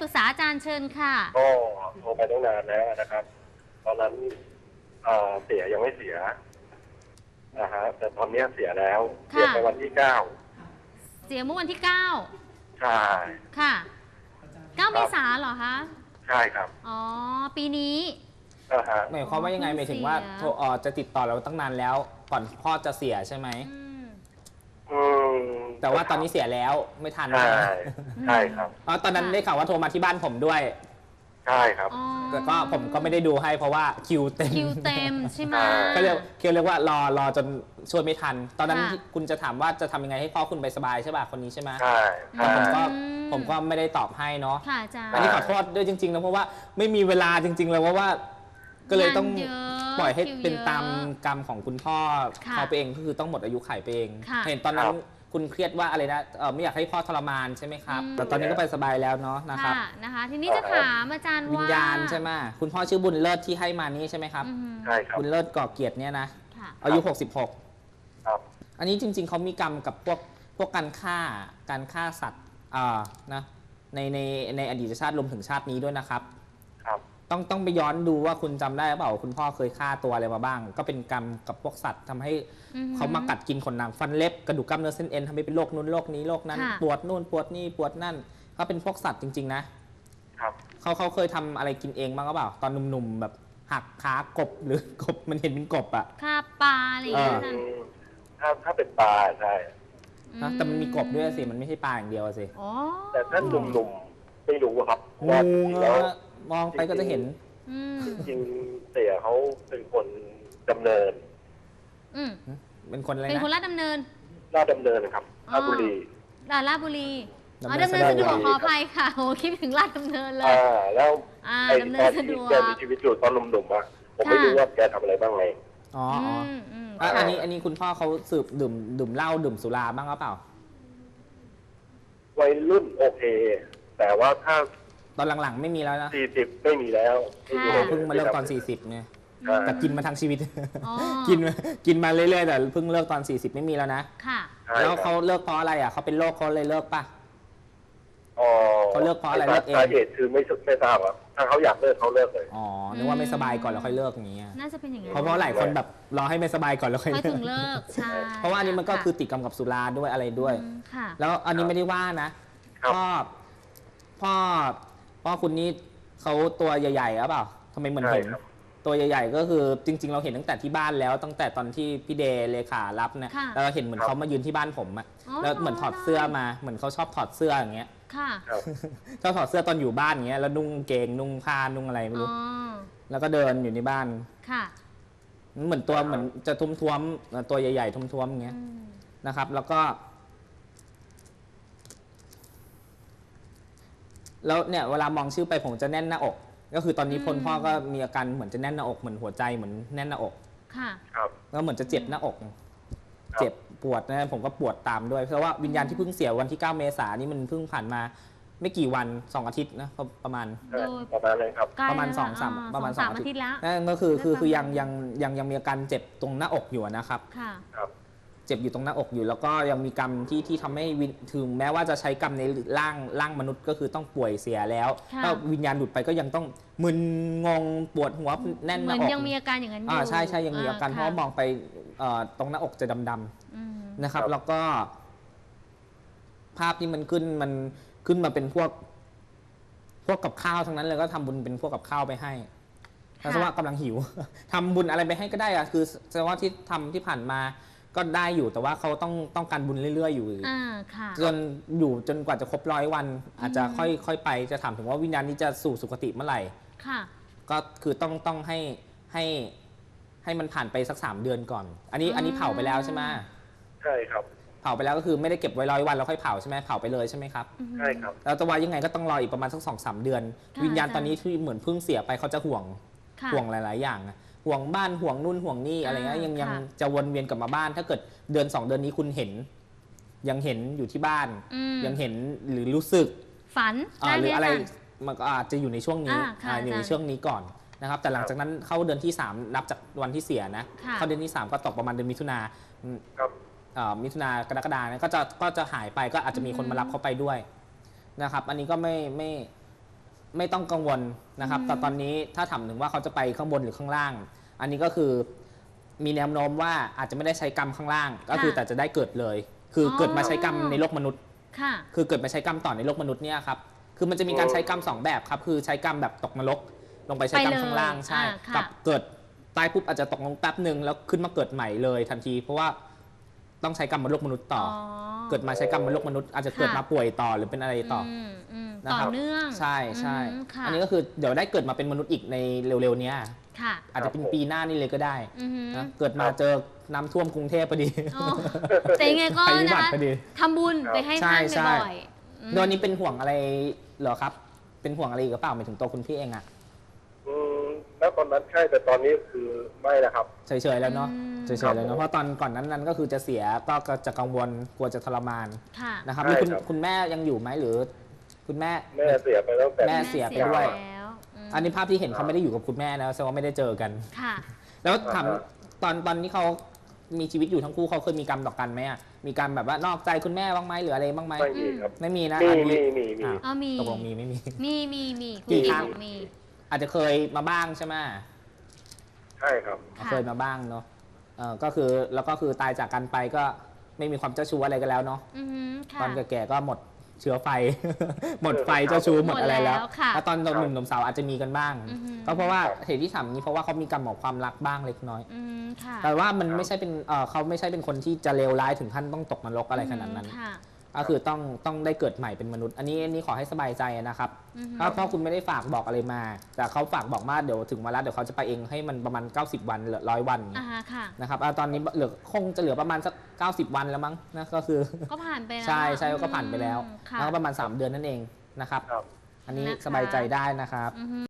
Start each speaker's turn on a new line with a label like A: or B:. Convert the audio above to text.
A: ปรึกษาอาจารย์เชิญค่ะ
B: ก็โทรไปตั้งนานแล้วนะครับตอนนั้นเสียยังไม่เสียนะฮะแต่ตอนนี้เสียแล้วเสียไปวันที่9
A: เสียเมื่อวันที่9
B: ใช่
A: ค่ะ9 เมษายนเหรอคะ
B: ใช่ครับ
A: อ๋อปีนี้
C: หมายความว่ายังไงหมายถึงว่าจะติดต่อเราตั้งนานแล้วก่อนพ่อจะเสียใช่ไหมแต่ว่าตอนนี้เสียแล้วไม่ทัน
B: ใช่ใช่ครับ
C: ตอนนั้นได้ข่าวว่าโทรมาที่บ้านผมด้วย
B: ใช่ครับ
C: แต่ก็ผมก็ไม่ได้ดูให้เพราะว่าคิวเต็
A: มใช่ไหม
C: ก็เรียกว่ารอจนช่วยไม่ทันตอนนั้นคุณจะถามว่าจะทำยังไงให้พ่อคุณไปสบายใช่ป่ะคนนี้ใช่ไหม
B: ใช่
C: ผมก็ไม่ได้ตอบให้เนาะ
A: ค่ะอาจารย์
C: อันนี้ขอโทษด้วยจริงๆนะเพราะว่าไม่มีเวลาจริงๆเลยว่าก็เลยต้องปล่อยให้เป็นตามกรรมของคุณพ่อเขาไปเองก็คือต้องหมดอายุไขไปเองเห็นตอนนั้นคุณเครียดว่าอะไรนะไม่อยากให้พ่อทรมานใช่ไหมครับแต่ตอนนี้ก็ไปสบายแล้วเนาะนะครับ
A: นะคะทีนี้จะถามอาจารย์ว่า
C: วิญญาณใช่ไหมคุณพ่อชื่อบุญเลิศที่ให้มานี้ใช่ไหมครับ
B: ใช่ครับ
C: บุญเลิศก่อเกียรติเนี่ยนะอายุ66
B: ครับ
C: อันนี้จริงๆเขามีกรรมกับพวกการฆ่าสัตว์นะในอดีตชาติรวมถึงชาตินี้ด้วยนะครับต้องไปย้อนดูว่าคุณจำได้หรือเปล่าคุณพ่อเคยฆ่าตัวอะไรมาบ้างก็เป็นกรรมกับพวกสัตว์ทำให้เขามากัดกินขนหนังฟันเล็บกระดูกกล้ามเนื้อเส้นเอ็นทำให้เป็นโรคนู้นโรคนี้โรคนั้นปวดนู่นปวดนี่ปวดนั่นก็เป็นพวกสัตว์จริงๆนะครับเขาเคยทำอะไรกินเองบ้างหรือเปล่าตอนหนุ่มๆแบบหักขากบหรือกบมันเห็นเป็นกบอ่ะ
A: ฆ่าปลาอะไรอย่างเงี้ย
B: ถ้าเป็นปลาใช่
C: แต่มันมีกบด้วยสิมันไม่ใช่ปลาอย่างเดียวสิ
B: แต่ถ้าหนุ่มๆไม่รู้ครับ
C: งูมองไปก็จะเห็น
B: จริงเสียเขาเป็นคนดำเนิน
C: เป็นคนอะไรนะ
A: เป็นคนลาดดำเนิน
B: ครับราชบุรี
A: ราชบุรีดำเนินสะดวกขออภัยค่ะโอ้คิดถึงลาดดำเนินเลย
B: แล้วไอ้ตอนที่แกมีชีวิตอยู่ตอนหนุ่มๆผมไม่รู้ว่าแกทำอะไรบ้างไง
C: อันนี้คุณพ่อเขาสืบดื่มเหล้าดื่มสุราบ้างหรือเปล่า
B: วัยรุ่นโอเคแต่ว่าถ้า
C: ตอนหลังๆไม่มีแล้วนะ
B: 40ไม่มีแล้ว
C: เพิ่งมาเลิกตอน40เนี่ยแต่กินมาทั้งชีวิตกินมาเรื่อยๆแต่เพิ่งเลิกตอน40ไม่มีแล้วนะ
A: ค่ะ
C: แล้วเขาเลิกเพราะอะไรอ่ะเขาเป็นโรคเขาเลยเลิกป่ะเขาเลิกเพราะอะไรเลิกเอง
B: สาเหตุคือไม่ทราบครับถ้าเขาอยากเลิกเขาเลิกเลย
C: นึกว่าไม่สบายก่อนแล้วค่อยเลิกอย่างเงี้ย
A: น่าจะเป็นอย่างนั้น
C: เพราะหลายคนแบบรอให้ไม่สบายก่อนแล้วค่อย
A: ถึงเลิกใช่
C: เพราะว่าอันนี้มันก็คือติดกรรมกับสุราด้วยอะไรด้วยแล้วอันนี้ไม่ได้ว่านะพ่อคุณนี่เขาตัวใหญ่ๆหรือเปล่าทำไมเหมือนเห็นตัวใหญ่ๆก็คือจริงๆเราเห็นตั้งแต่ที่บ้านแล้วตั้งแต่ตอนที่พี่เดย์เลขารับเนี่ยแล้วเราเห็นเหมือนเขามายืนที่บ้านผมอะแล้วเหมือนถอดเสื้อมาเหมือนเขาชอบถอดเสื้ออย่างเงี้ยชอบถอดเสื้อตอนอยู่บ้านอย่างเงี้ยแล้วนุ่งเกงนุ่งผ้านุ่งอะไรไม่รู้แล้วก็เดินอยู่ในบ้านเหมือนจะท้วมๆตัวใหญ่ๆท้วมๆอย่างเงี้ยนะครับแล้วเนี่ยเวลามองชื่อไปผมจะแน่นหน้าอกก็คือตอนนี้พ่อก็มีอาการเหมือนจะแน่นหน้าอกเหมือนหัวใจเหมือนแน่นหน้าอกแล้วเหมือนจะเจ็บหน้าอกเจ็บปวดนะผมก็ปวดตามด้วยเพราะว่าวิญญาณที่เพิ่งเสียวันที่9 เมษายนนี้มันเพิ่งผ่านมาไม่กี่วัน2 อาทิตย์นะประมาณ
B: เลยครับ
C: ประมาณ2-3 อาทิตย์แล้วนั่นก็คือยังมีอาการเจ็บตรงหน้าอกอยู่นะครับเจ็บอยู่ตรงหน้าอกอยู่แล้วก็ยังมีกรรมที่ทำให้ถึงแม้ว่าจะใช้กรรมในร่างมนุษย์ก็คือต้องป่วยเสียแล้วก็วิญญาณหลุดไปก็ยังต้องมึนงงปวดหัวแน่นหน้าอก
A: ยังมีอาการอย่างนั้นอยู่
C: ใช่ยังมีอาการเพราะมองไปตรงหน้าอกจะดำๆนะครับแล้วก็ภาพที่มันขึ้นมาเป็นพวกกับข้าวทั้งนั้นเลยก็ทำบุญเป็นพวกกับข้าวไปให้แสดงว่ากำลังหิวทำบุญอะไรไปให้ก็ได้อะคือแสดงว่าที่ทำที่ผ่านมาก็ได้อยู่แต่ว่าเขาต้องการบุญเรื่อยๆอยู่จนกว่าจะครบ100 วันอาจจะค่อยไปจะถามถึงว่าวิญญาณนี้จะสู่สุคติเมื่อไหร่ก็คือต้องให้มันผ่านไปสัก3 เดือนก่อนอันนี้เผาไปแล้วใช่ไหม
B: ใช่ครับ
C: เผาไปแล้วก็คือไม่ได้เก็บไว้100 วันแล้วค่อยเผาใช่ไหมเผาไปเลยใช่ไหมครับ
B: ใช่ครับ
C: แล้วแต่ว่ายังไงก็ต้องรออีกประมาณสัก2-3 เดือนวิญญาณตอนนี้ที่เหมือนเพิ่งเสียไปเขาจะห่วงหลายๆอย่างห่วงบ้านห่วงนู่นห่วงนี่อะไรเงี้ยยังจะวนเวียนกลับมาบ้านถ้าเกิดเดือน2 เดือนนี้คุณยังเห็นอยู่ที่บ้านยังเห็นหรือรู้สึก
A: ฝัน
C: หรืออะไรมันก็อาจจะอยู่ในช่วงนี้อยู่ในช่วงนี้ก่อนนะครับแต่หลังจากนั้นเข้าเดือนที่3นับจากวันที่เสียนะเข้าเดือนที่3ก็ตกประมาณเดือนมิถุนากรกฎาคมก็จะหายไปก็อาจจะมีคนมารับเขาไปด้วยนะครับอันนี้ก็ไม่ต้องกังวลนะครับแต่ตอนนี้ถ้าถามถึงว่าเขาจะไปข้างบนหรือข้างล่าง อันนี้ก็คือมีแนวโน้มว่าอาจจะไม่ได้ใช้กรรมข้างล่าง ก็คือแต่จะได้เกิดเลย คือเกิดมาใช้กรรมในโลกมนุษย์
A: ค่ะ
C: คือเกิดมาใช้กรรมต่อในโลกมนุษย์เนี่ยครับคือมันจะมีการใช้กรรม2แบบครับคือใช้กรรมแบบตกนรกลงไปใช้กรรมข้างล่างใช่กับเกิดตายปุ๊บอาจจะตกลงแป๊บหนึ่งแล้วขึ้นมาเกิดใหม่เลยทันที เพราะว่าต้องใช้กรรมบนโลกมนุษย์ต่อ เกิดมาใช้กรรมบนโลกมนุษย์อาจจะเกิดมาป่วยต่อหรือเป็นอะไรต่อ
A: ต่อ
C: นะครับ
A: เนื่อง
C: ใช่ใช่
A: ค่ะ
C: อันนี้ก็คือเดี๋ยวได้เกิดมาเป็นมนุษย์อีกในเร็วๆเนี้ย
A: ค่ะ
C: อาจจะเป็นปีหน้านี่เลยก็ได้
A: อือหือ
C: นะเกิดมาเจอน้ำท่วมกรุงเทพพอดี
A: โอ้แต่ยังไงก็
C: ภัยพิ
A: นะ
C: บัติ
A: คะ
C: พอดี
A: ทำบุญไปให้
C: ใช่
A: ท่าน
C: ใช่
A: บ่อยๆ
C: โดยนี้เป็นห่วงอะไรเหรอครับ เป็นห่วงอะไรอีกหรือเปล่าหมายถึงตัวคุณพี่เองอะ
B: แล้วตอนนั้นใช่แต่ตอนนี้คือไม่นะครับ
C: เฉยๆแล้วเนาะเฉยๆแล้วเนาะเพราะตอนก่อนนั้นก็คือจะเสียก็จะกังวลกลัวจะทรมาน
A: ค่ะ
C: นะครับ
B: ใช่
C: แล้ว
B: ครับ
C: คุณแม่ยังอยู่ไหมหรือคุณแม่
B: แม่เสียไปตั้งแต่
C: แม่เสียไปด้วย
A: แล้ว
C: อันนี้ภาพที่เห็นเขาไม่ได้อยู่กับคุณแม่นะแสดงว่าไม่ได้เจอกัน
A: ค่ะ
C: แล้วถามตอนนี้เขามีชีวิตอยู่ทั้งคู่เขาเคยมีกรรมต่อกันไหมอะมีการแบบว่านอกใจคุณแม่บ้างไหมหรืออะไรบ้างไหม
B: ไม่มีครับ
C: ไม่มีนะ
B: มี
C: อันนี้
B: มี
C: อ่ะ
A: เอามี
C: ตกลงมีไม่มี
A: มีคุณ
C: กี่
A: พี่
C: ครั้ง
A: บอกมี
C: อาจจะเคยมาบ้างใช่ไหม
B: ใช่ครับ
A: ค่ะ
C: เคยมาบ้างเนาะก็คือแล้วก็คือตายจากกันไปก็ไม่มีความเจ้าชู้อะไรกันแล้วเนาะ
A: อือหือค่ะ
C: ตอนแก่ๆก็หมดเชื้อไฟ หมดไฟเจ้าชู้หมดอะไรแล้ว
A: หมดแล้วค่ะ
C: แล้วตอนหนุ่มๆสาวอาจจะมีกันบ้าง
A: อือหือ
C: ก็เพราะว่าเหตุที่ทำอย่างนี้เพราะว่าเขามีกรรมของความรักบ้างเล็กน้อย
A: อืมค่ะ
C: แต่ว่ามันไม่ใช่เป็นเขาไม่ใช่เป็นคนที่จะเลวร้ายถึงขั้นต้องตกนรกอะไรขนาดนั้น
A: ค่ะ
C: ก็คือต้องได้เกิดใหม่เป็นมนุษย์ อันนี้ขอให้สบายใจนะครับ
A: อือหือ
C: เพราะคุณไม่ได้ฝากบอกอะไรมา แต่เขาฝากบอกมาเดี๋ยวถึงเวลาเดี๋ยวเขาจะไปเองให้มันประมาณ90 วันเหลือ100 วัน
A: ค่ะ
C: นะครับตอนนี้คงจะเหลือประมาณสัก90 วันแล้วมั้งนะก็คือ
A: ก็ผ่านไปแล้ว
C: ใช่ก็ผ่านไปแล้ว
A: ค่ะ
C: แล้วก็ประมาณ3 เดือนนั่นเองนะครับ
B: ครับ
C: อันนี้
A: นะคะ
C: สบายใจได้นะครับ
A: อือหือ